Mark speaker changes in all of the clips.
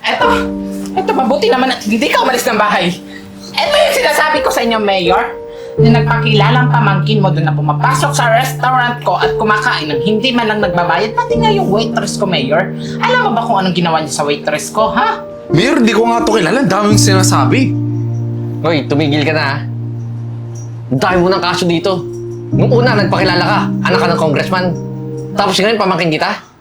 Speaker 1: Eto, mabuti naman at hindi ka umalis ng bahay. Eto yung sinasabi ko sa inyo, Mayor. Na nagpakilalang pamangkin mo doon na pumapasok sa restaurant ko at kumakain ng hindi man lang nagbabayad, pati nga yung waitress ko, Mayor. Alam mo ba kung anong ginawa niya sa waitress ko, ha?
Speaker 2: Mayor, di ko nga ito kilala. Ang daming sinasabi.
Speaker 3: Hoy, tumigil ka na ha. Ang dami mo ng kaso dito. Nung una, nagpakilala ka. Anak ka ng congressman. Tapos ngayon, pamangkin kita.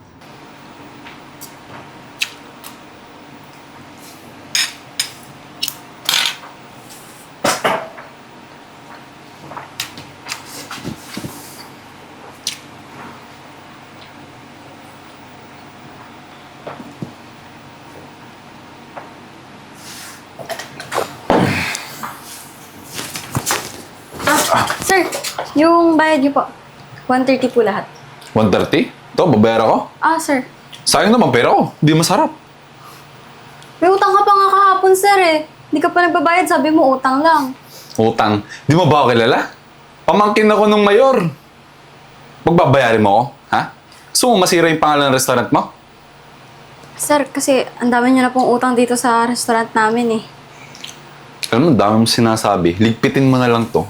Speaker 4: Sir, yung bayad niyo po. 130 po lahat.
Speaker 2: 130? Ito, babayara ko.
Speaker 4: Sir.
Speaker 2: Sayang naman pera ko. Di masarap.
Speaker 4: May utang ka pa nga kahapon, sir eh. Hindi ka pa nagbabayad, sabi mo utang lang.
Speaker 2: Utang. Di mo ba ako kilala? Pamangkin ako nung mayor. Magbabayarin mo ako, ha? Gusto mo masira yung pangalan ng restaurant mo?
Speaker 4: Sir, kasi ang dami niyo na pong utang dito sa restaurant namin eh.
Speaker 2: Alam mo, ang dami mong sinasabi. Ligpitin mo na lang to.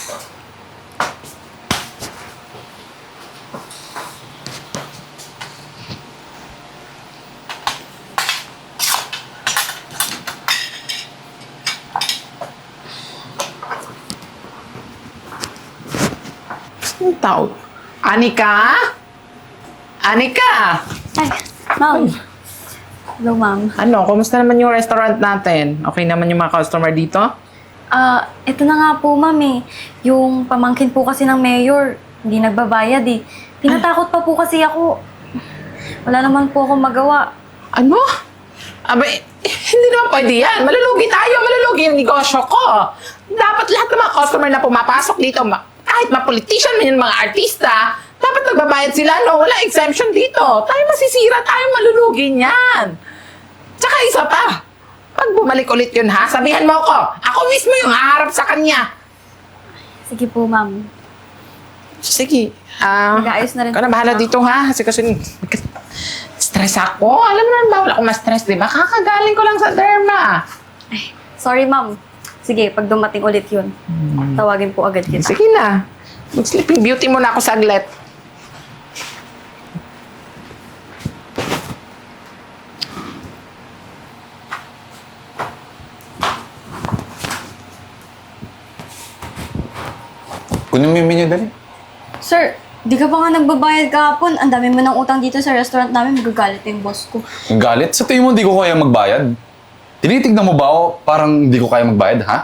Speaker 1: Ang tawag. Anika? Anika!
Speaker 4: Ay, ma'am. Hello, ma'am.
Speaker 1: Ano, kumusta naman yung restaurant natin? Okay naman yung mga customer dito?
Speaker 4: Ito na nga po, ma'am eh. Yung pamangkin po kasi ng mayor, hindi nagbabayad eh. Tinatakot pa po kasi ako. Wala naman po akong magawa.
Speaker 1: Ano? Abay, hindi naman pwede yan. Malulugi tayo, malulugi yung negosyo ko. Dapat lahat ng mga customer na pumapasok dito, kahit mga politician man yung mga artista, dapat nagbabayad sila, no? Wala exemption dito. Tayo masisira, tayo malulugi niyan. Tsaka isa pa, pag bumalik ulit yun, ha? Sabihan mo ko, ako mismo yung haharap sa kanya.
Speaker 4: Sige po, ma'am.
Speaker 1: Sige.
Speaker 4: Mag-aayos na rin.
Speaker 1: Ikaw na bahala dito, ha? Kasi stress ako. Alam mo naman bawal ako ma-stress, di ba? Kakagaling ko lang sa derma.
Speaker 4: Ay, sorry, ma'am. Sige, pag dumating ulit yun, tawagin po agad kita.
Speaker 1: Sige na. Mag-sleeping beauty muna ako saglit.
Speaker 2: Kunin mo yung menu dali.
Speaker 4: Sir, di ka pa nga nagbabayad kahapon. Ang dami mo ng utang dito sa restaurant namin. Magagalit yung boss ko.
Speaker 2: Ang galit? Sa tingin mo hindi ko kaya magbayad? Tinitignan mo ba ako parang hindi ko kaya magbayad, ha?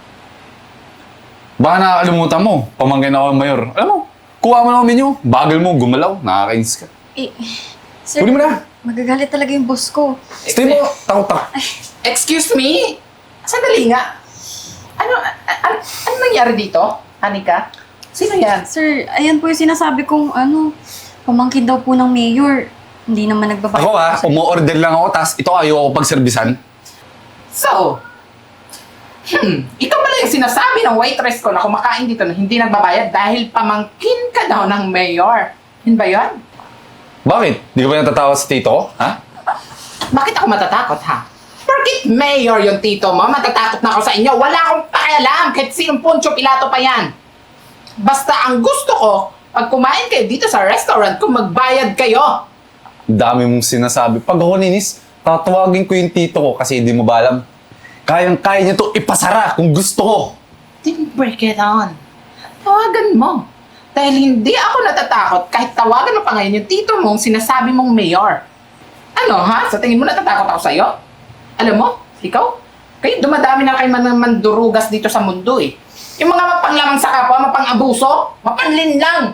Speaker 2: Baka nakakalimutan mo. Pamangkin ako ng mayor. Alam mo, kuha mo lang ang menu. Bagal mo, gumalaw. Nakakainis ka.
Speaker 4: Sir,
Speaker 2: Kunin mo na.
Speaker 4: magagalit talaga yung boss ko.
Speaker 2: Stay mo, takot-takot.
Speaker 1: Excuse me? Sandali nga. Ano nangyari dito, Anika? Sino yan?
Speaker 4: Sir, ayan po yung sinasabi kong pamangkin daw po ng mayor. Hindi naman nagbabayad.
Speaker 2: Ako ha, umu-order lang ako, tas ito ayaw ko pagservisan.
Speaker 1: So, ikaw pala yung sinasabi ng waitress ko na kumakain dito na hindi nagbabayad dahil pamangkin ka daw ng mayor. Yun ba yun?
Speaker 2: Bakit? Di ka ba natatawa sa tito ko, ha?
Speaker 1: Bakit ako matatakot, ha? Bakit mayor yung tito mo? Matatakot na ako sa inyo. Wala akong pakialam kahit sinong Poncio Pilato pa yan. Basta ang gusto ko, pag kumain kayo dito sa restaurant, kung magbayad kayo.
Speaker 2: Ang dami mong sinasabi. Pag ako ninis, tatawagin ko yung tito ko kasi hindi mo ba alam. Kayang-kaya niya to ipasara kung gusto ko.
Speaker 1: Then break it on. Tawagan mo. Dahil hindi ako natatakot kahit tawagan mo pa ngayon yung tito mong sinasabi mong mayor. Ano ha? Sa tingin mo natatakot ako sa'yo? Alam mo, ikaw? Kayo dumadami na kayo mandurugas dito sa mundo eh. Yung mga mapanglamang sa kapwa, mapang-abuso, mapanlinlang.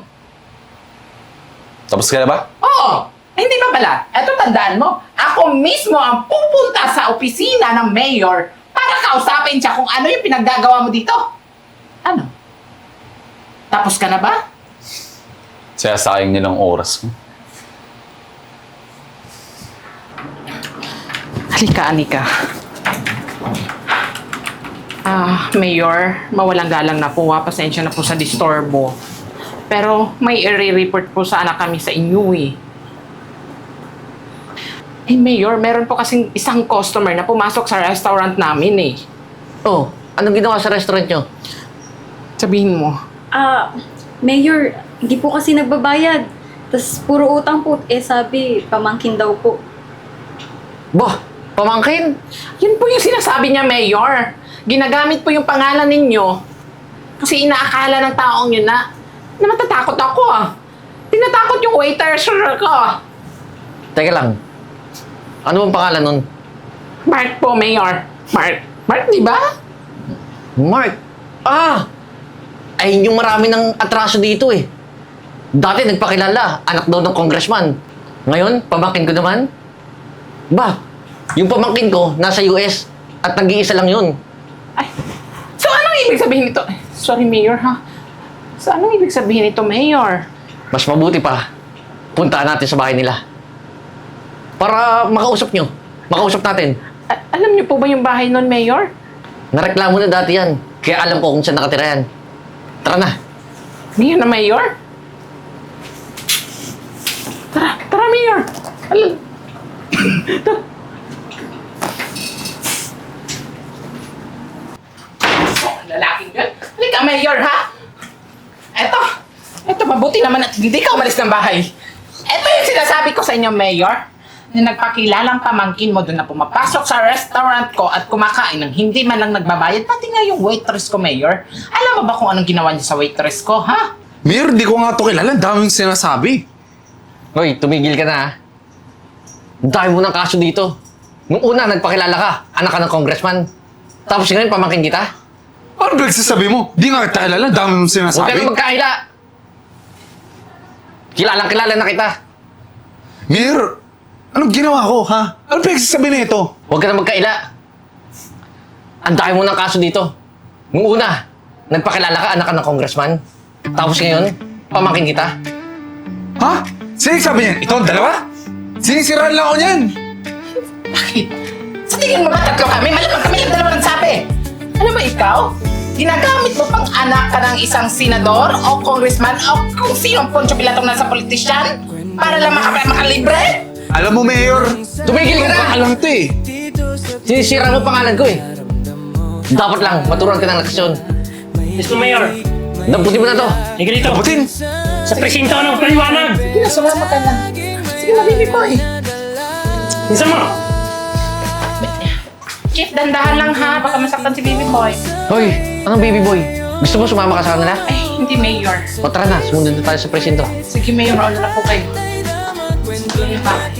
Speaker 2: Tapos ka na ba?
Speaker 1: Oo, hindi pa pala. Eto tandaan mo, ako mismo ang pupunta sa opisina ng mayor para kausapin siya kung ano yung pinaggagawa mo dito. Ano? Tapos ka na ba?
Speaker 2: Sayang niya ng oras ko.
Speaker 1: Halika, Anika. Mayor, mawalang galang na po. Pasensya na po sa disturbo. Pero may i-report po sana kami sa inyo eh. Eh, Mayor, meron po kasing isang customer na pumasok sa restaurant namin eh.
Speaker 3: Oh, anong ginawa sa restaurant nyo?
Speaker 1: Sabihin mo.
Speaker 4: Mayor, hindi po kasi nagbabayad. Tapos puro utang po. Eh sabi, pamangkin daw po.
Speaker 3: Bah, pamangkin?
Speaker 1: Yun po yung sinasabi niya, Mayor. Ginagamit po yung pangalan ninyo. Kasi inaakala ng taong yun na matatakot ako ah. Tinatakot yung waiter ko.
Speaker 3: Teka lang. Ano bang pangalan nun?
Speaker 1: Mark po, Mayor. Mark. Mark, di ba?
Speaker 3: Mark. Ah! Ay, yung marami ng atraso dito eh. Dati nagpakilala, anak daw ng congressman. Ngayon, pamangkin ko naman. Ba, yung pamangkin ko nasa US at nag-iisa lang yun.
Speaker 1: Ay. So, anong ibig sabihin nito? Sorry, Mayor, ha? So, anong ibig sabihin nito, Mayor?
Speaker 3: Mas mabuti pa, puntaan natin sa bahay nila. Para makausap nyo. Makausap natin.
Speaker 1: Alam niyo po ba yung bahay nun, Mayor?
Speaker 3: Nareklamo na dati yan. Kaya alam ko kung saan nakatira yan. Tara na.
Speaker 1: Ngayon na, Mayor? Tara, Mayor! Alam... Lalaking yun. Halika, Mayor, ha? Eto, mabuti naman at hindi ka umalis ng bahay. Eto yung sinasabi ko sa inyo, Mayor, na nagpakilalang pamangkin mo doon na pumapasok sa restaurant ko at kumakain ng hindi man lang nagbabayad, pati nga yung waitress ko, Mayor. Alam mo ba kung anong ginawa niya sa waitress ko, ha?
Speaker 2: Mayor, di ko nga ito kilala. Ang daming sinasabi.
Speaker 3: Hoy, tumigil ka na ha. Dahil mo ng kaso dito. Nung una, nagpakilala ka. Anak ka ng congressman. Tapos ngayon, pamangkin kita.
Speaker 2: Ano nagsasabi mo? Di nga kita kilala. Ang daming
Speaker 3: Huwag ka
Speaker 2: sinasabi.
Speaker 3: na magkahila. Kilalang-kilala na kita.
Speaker 2: Mayor, anong ginawa ko, ha? Ano pinagsasabi na ito?
Speaker 3: Huwag ka na magkaila. Ang dami mo ng kaso dito. Nung una, nagpakilala ka, anak ka ng congressman. Tapos ngayon, pamangkin kita.
Speaker 2: Ha? Sino yung sabi niyan? Ito ang dalawa? Sinisiraan lang ako niyan.
Speaker 1: Bakit? Sa tingin mo ba tatlo kami? Malamang kami yung dalawa nagsabi. Ano ba ikaw? Ginagamit mo pang anak ka ng isang senador o congressman o kung sino ang Poncio Pilatong nasa politisyan para lang makalibre?
Speaker 2: Alam mo, Mayor,
Speaker 3: Tumigil ka na!
Speaker 2: alam to eh.
Speaker 3: Sinisira mo pangalan ko eh. Dapat lang, maturuan ka ng leksyon.
Speaker 5: Mr. Mayor,
Speaker 3: Damputin mo na to.
Speaker 5: hindi dito.
Speaker 2: Kaputin!
Speaker 5: Sa presinto ng paliwanag.
Speaker 1: Sige na, sumama ka na. Sige na, baby boy.
Speaker 5: Isa mo.
Speaker 1: Chief, dandahan lang ha. Baka masaktan si baby boy.
Speaker 3: Hoy, anong baby boy? Gusto mo sumama ka sa kanila?
Speaker 1: Ay, hindi, Mayor.
Speaker 3: O tara na, sumunod na tayo sa presinto.
Speaker 1: Sige, Mayor. Ano na po kayo? Sige pa.